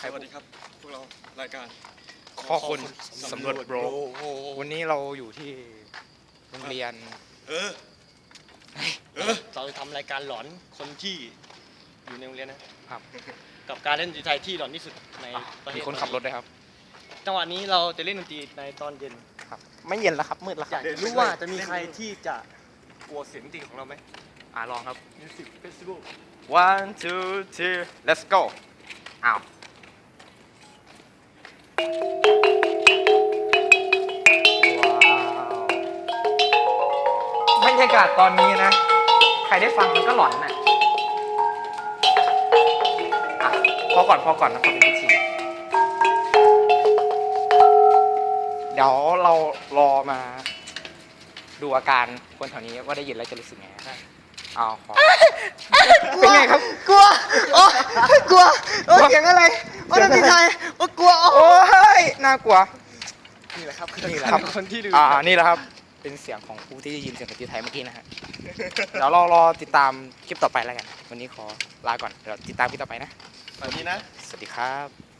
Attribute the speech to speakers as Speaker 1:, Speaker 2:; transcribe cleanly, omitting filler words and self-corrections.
Speaker 1: สวัสดีครับพวกเรารายการ
Speaker 2: ข้อคนสำรวจโบรวันนี้เราอยู่ที่โรงเรียน
Speaker 3: เราจะทำรายการหลอนคนที่อยู่ในโรงเรียนนะครับ กับการเล่นดนตรีไทยที่หลอนที่สุดในประเท
Speaker 2: มี
Speaker 3: ศ
Speaker 2: คนขับรถด้วยครับ
Speaker 3: จังหวะนี้เราจะเล่นดนตรีในตอนเย็น
Speaker 2: ครับ ไม่เย็นแล้วครับมืดแล้วค
Speaker 3: อ
Speaker 2: รั
Speaker 3: ยา
Speaker 2: บ
Speaker 3: กรู้ว่าจะมีใครที่จะกลัวเสียงดนตรีของเราไหม
Speaker 2: ลองครับ
Speaker 3: Music Festival
Speaker 2: 1 2 3 let's go อ้าวว้าวบรรยากาศตอนนี้นะ ใครได้ฟังมันก็หลอนน่ะพอก่อนนะขอเป็นพิธีเดี๋ยวเรารอมาดูอาการคนแถวนี้ว่าได้ยินแล้วจะรู้สึกไงขอเป็นไงครับ
Speaker 4: กลัวโอ้กลัวโอ้เสียงอะไรโอ้ดนตรีไทยโอ้กลัวโอ้
Speaker 2: โอ้ยน่ากลัว
Speaker 3: นี่แหละครับ
Speaker 2: นี่แหละครับ
Speaker 3: คนที่ดู
Speaker 2: นี่แหละครับเป็นเสียงของผู้ที่ได้ยินเสียงดนตรีไทยเมื่อกี้นะฮะเดี๋ยวเรารอติดตามคลิปต่อไปแล้วกันวันนี้ขอลาก่อนเดี๋ยวติดตามคลิปต่อไปนะ
Speaker 1: แบบนี้นะ
Speaker 2: สวัสดีครับ